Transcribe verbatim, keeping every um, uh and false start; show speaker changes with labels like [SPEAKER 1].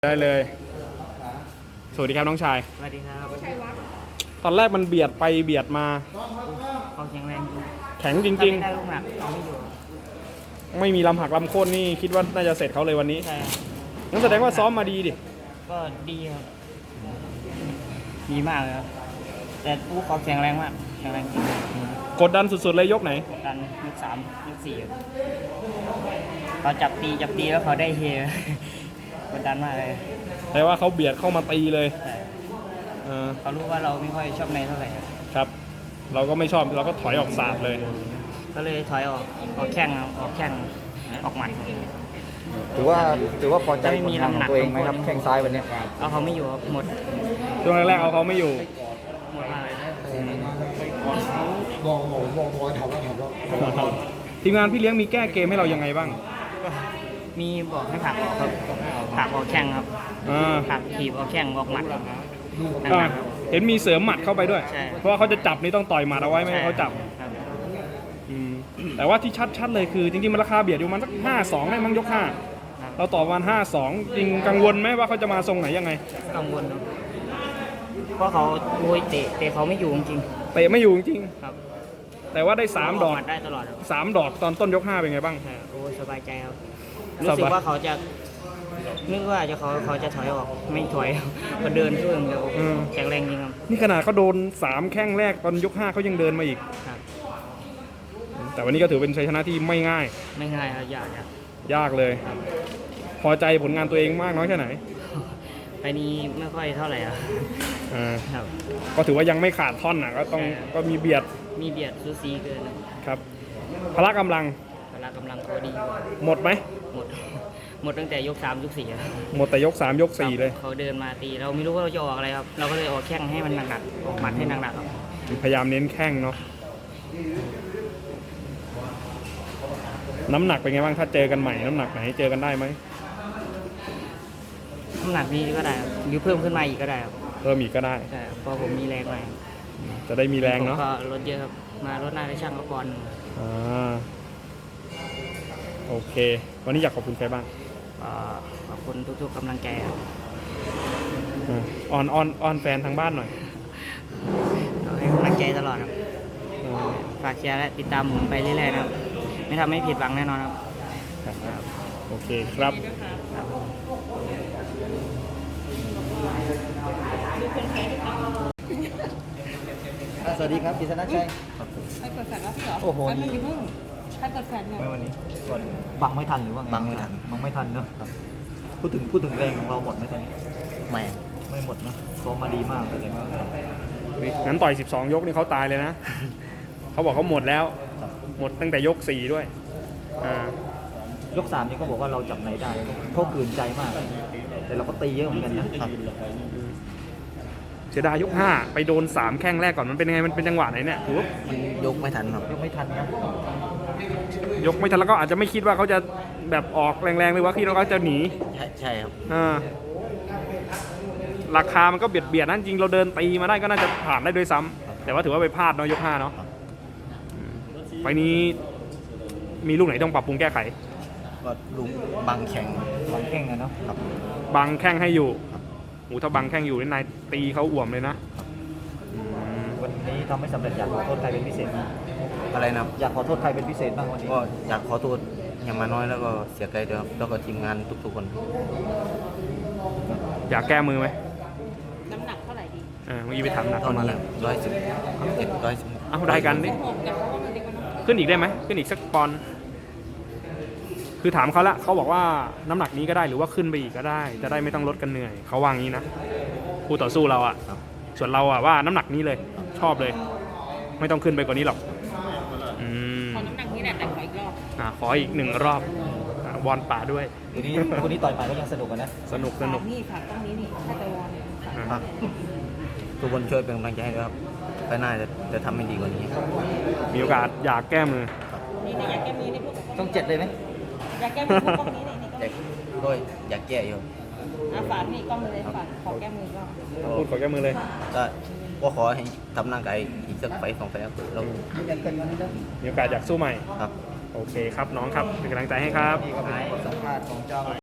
[SPEAKER 1] ได้เลยสวัสดีครับน้องชาย
[SPEAKER 2] สวัสดีครับ
[SPEAKER 1] ตอนแรกมันเบียดไปเบียดมา
[SPEAKER 2] เขาแข็งแรง
[SPEAKER 1] แข็งจริง
[SPEAKER 2] ๆได้ลูกหนักเอาไม่อยู่
[SPEAKER 1] ๆไม่มีลำหักลำโค่นนี่คิดว่าน่าจะเสร็จเขาเลยวันนี้
[SPEAKER 2] ใช่
[SPEAKER 1] งั้นแสดงว่าซ้อมมาดีดิ
[SPEAKER 2] ก็ดีครับดีมากเลยครับแต่ผู้เขาแข็งแรงมากแข็งแรงจริง
[SPEAKER 1] กดดันสุดๆเลยยกไหน
[SPEAKER 2] กดดันยกสามยกสี่เขาจับตีจับตีแล้วเขาได้เฮกดดันมากเลย
[SPEAKER 1] แต่ว่าเขาเบียดเข้ามาตีเลย
[SPEAKER 2] เขารู้ว่าเราไม่ค่อยชอบในเท่าไหร่
[SPEAKER 1] ครับเราก็ไม่ชอบเราก็ถอยออกศาสตร์เลย
[SPEAKER 2] ก็เลยถอยออกออกแข้งออกแข้งออกหมัด
[SPEAKER 3] ถือว่าถือว่าพอใจผลงานของตัวเองไหมครับแข้งซ้ายวันนี้
[SPEAKER 2] เอาเขาไม่อยู่หมด
[SPEAKER 1] ช่วงแรกๆเอาเขาไม่อยู่
[SPEAKER 2] หมดเลย
[SPEAKER 3] มองมองมองมองทำแล้วทำแล้ว
[SPEAKER 1] ทีมงานพี่เลี้ยงมีแก้เกมให้เรายังไงบ้าง
[SPEAKER 2] มีบอกให้ผักออกครับผักออกแข้งครับผักถีบออกแข้งออกหมัด
[SPEAKER 1] เห็นมีเสริมหมัดเข้าไปด้วยเพราะว่าเขาจะจับนี่ต้องต่อยหมัดเอาไว้ไม่ให้เขาจับแต่ว่าที่ชัดๆเลยคือจริงๆมันราคาเบียดอยู่มันสักห้าสองได้มั้งยกห้าเราต่อวันห้าสองจริงกังวลไหมว่าเขาจะมาทรงไหนยังไง
[SPEAKER 2] กังวลครับเพราะเขาโวยเตะเตะเขาไม่อยู่จริง
[SPEAKER 1] เตะไม่อยู่จริง
[SPEAKER 2] ครับ
[SPEAKER 1] แต่ว่าได้สามดอก
[SPEAKER 2] ได้ตลอด
[SPEAKER 1] สามดอกตอนต้นยกห้าเป็นไงบ้าง
[SPEAKER 2] โอ้สบายใจครับรู้สึกว่าเขาจะนึกว่าจะเขาเขาจะถอยออกไม่ถอยเขาเดินช่วยเดียวแข็งแรงจริงครับ
[SPEAKER 1] นี่ขนาดเขาโดนสามแข้งแรกตอนยกห้าเขายังเดินมาอีกแต่วันนี้ก็ถือเป็นชัยชนะที่ไม่ง่าย
[SPEAKER 2] ไม่ง่ายครับยาก
[SPEAKER 1] ยากเลยพอใจผลงานตัวเองมากน้อยแค่ไหน
[SPEAKER 2] ไปนี้ไม่ค่อยเท่าไหร่ครับ
[SPEAKER 1] ก็ถือว่ายังไม่ขาดท่อนนะก็ต้องก็มีเบียด
[SPEAKER 2] มีเบียดซูซีเกิน
[SPEAKER 1] ครับพละกำลัง
[SPEAKER 2] พละกำลังพอดี
[SPEAKER 1] หมดไหม
[SPEAKER 2] หมดหมดตั้งแต่ยกสามยกสี่
[SPEAKER 1] หมดแต่ยกสามยกสี่เลย
[SPEAKER 2] เขาเดินมาตีเราไม่รู้ว่าเราจะออกอะไรครับเราก็เลยออกแข้งให้มันหนักๆออกหมัดให้หนักๆครับ
[SPEAKER 1] พยายามเน้นแข้งเนาะน้ำหนักเป็นไงบ้างถ้าเจอกันใหม่น้ำหนักไหนเจอกันได้ไหม
[SPEAKER 2] น้ำหนักนี้ก็ได้หรือเพิ่มขึ้นมาอีกก็ได้ครับ
[SPEAKER 1] เพิ่มอีกก็ได้
[SPEAKER 2] ใช่พอผมมีแรงหน่อย
[SPEAKER 1] จะได้มีแรงเนาะ
[SPEAKER 2] ก็ลดเยอะครับมารถหน้าได้ช่างก็ปอน
[SPEAKER 1] อ่าโอเควันนี้อยากขอบคุณใครบ้าง
[SPEAKER 2] ขอบคุณทุกๆกำลังใจครับ
[SPEAKER 1] ออนออนออนแฟนทางบ้านหน่อย
[SPEAKER 2] ให้กำลังใจตลอดครับฝากเชียร์และติดตามผมไปเรื่อยๆนะครับไม่ทำให้ผิดหวังแน่นอนครับ
[SPEAKER 1] โอเคครับ
[SPEAKER 3] สวัสดีครับกิษณชัย
[SPEAKER 4] ใครเปิดแฟลชแล้วพี่เหรอ
[SPEAKER 3] โอ้โห
[SPEAKER 4] นี่ใครเปิดแฟลชเนี่ย
[SPEAKER 3] ไม่วันนี้บังไม่ทันหรือว่าไงบังไม่ทันบังไม่ทันเนอะพูดถึงพูดถึงแรงของเราหมดไหมตอนนี้ไม่ไม่หมดนะซ้อมมาดีมากเลย
[SPEAKER 1] งั้นต่อยสิบสองยกนี่เขาตายเลยนะเขาบอกเขาหมดแล้วหมดตั้งแต่ยกสี่ด้วย
[SPEAKER 3] ยกสามนี่ก็บอกว่าเราจับไหนได้เขาขืนใจมากแต่เราก็ตีเยอะเหมือนกันนะ
[SPEAKER 1] เสียดายยกห้าไปโดนสามแข้งแรกก่อนมันเป็นยังไงมันเป็นจังหวะไหนเนี่ยถือว่า
[SPEAKER 3] มันยกไม่ทันครับยกไม่ทันนะ
[SPEAKER 1] ยกไม่ทันแล้วก็อาจจะไม่คิดว่าเขาจะแบบออกแรงๆเลยว่าคิดว่าเขาจะหนี
[SPEAKER 3] ใช่ครับ
[SPEAKER 1] ราคามันก็เบียดเบียดนั่นจริงเราเดินตีมาได้ก็น่าจะผ่านได้ด้วยซ้ำแต่ว่าถือว่าไปพลาดเนาะยกห้าเนาะไฟนี้มีลูกไหนต้องปรับปรุงแก้ไข
[SPEAKER 3] ก็ลูกบังแข่งบังแข่งนะเนาะครับ
[SPEAKER 1] บังแข้งให้อยู่โอ้ถ้าบังแข้งอยู่นี่นายตีเขาอ่วมเลยนะ
[SPEAKER 3] วันนี้ทำไม่สำเร็จอยากขอโทษใครเป็นพิเศษอะไรนะอยากขอโทษใครเป็นพิเศษบ้างวันนี้ก็อยากขอโทษอย่างมาน้อยแล้วก็เสียใจด้วยครับแล้วก็ทีมงานทุกๆคน
[SPEAKER 1] อยากแก้มือไหม
[SPEAKER 4] น้ำหนักเท่าไหร่ดี
[SPEAKER 1] เออเมื่อกี้ไปถามหนักเข้ามาแล้ว
[SPEAKER 3] ร้อยสิบเจ็ดร้อยสิบ
[SPEAKER 1] เอาได้กันดิขึ้นอีกได้ไหมขึ้นอีกสักปอนคือถามเขาละเขาบอกว่าน้ำหนักนี้ก็ได้หรือว่าขึ้นไปอีกก็ได้จะได้ไม่ต้องลดกันเหนื่อยเขาวางงี้นะคู่ต่อสู้เราอ่ะส่วนเราอ่ะว่าน้ำหนักนี้เลยชอบเลยไม่ต้องขึ้นไปกว่านี้หรอก
[SPEAKER 4] อืมขอน้ำหนักนี้แหละแต่ขออีกรอบ
[SPEAKER 1] อ่าขออีกหนึ่งรอบบอลป่าด้วย
[SPEAKER 3] วันนี้วันนี้ต่อยไปก็ยังสนุกกันนะ
[SPEAKER 1] สนุกสนุก
[SPEAKER 4] นี่ค่ะต้องนี้นี่ถ้าไปวอน
[SPEAKER 3] ทุกคนช่วยเป็นกำลังใจให้ด้วยครับไปหน้าจะจะทำให้ดีกว่านี้
[SPEAKER 1] มีโอกาสอยากแก้มือ
[SPEAKER 4] นี่อยากแก้มือในพวก
[SPEAKER 3] ต้องเจ็ดเลยไหม
[SPEAKER 4] อยากแก้มือพวกนี้นี่นี่
[SPEAKER 3] ก็อยากแก้อยู่
[SPEAKER 4] อ่ะฝากนี่กล้องเลยฝากขอแก้มือก็
[SPEAKER 1] พูดขอแก้มือเลย
[SPEAKER 3] ก็ก็ขอให้ทำร่างกายอีกสักไฟสองไฟครับเรา
[SPEAKER 1] มีโอกาสอยากสู้ใหม่
[SPEAKER 3] ครับ
[SPEAKER 1] โอเคครับน้องครับเป็นกำลังใจให้ครับ
[SPEAKER 3] สัมภาษณ์ของเจ้า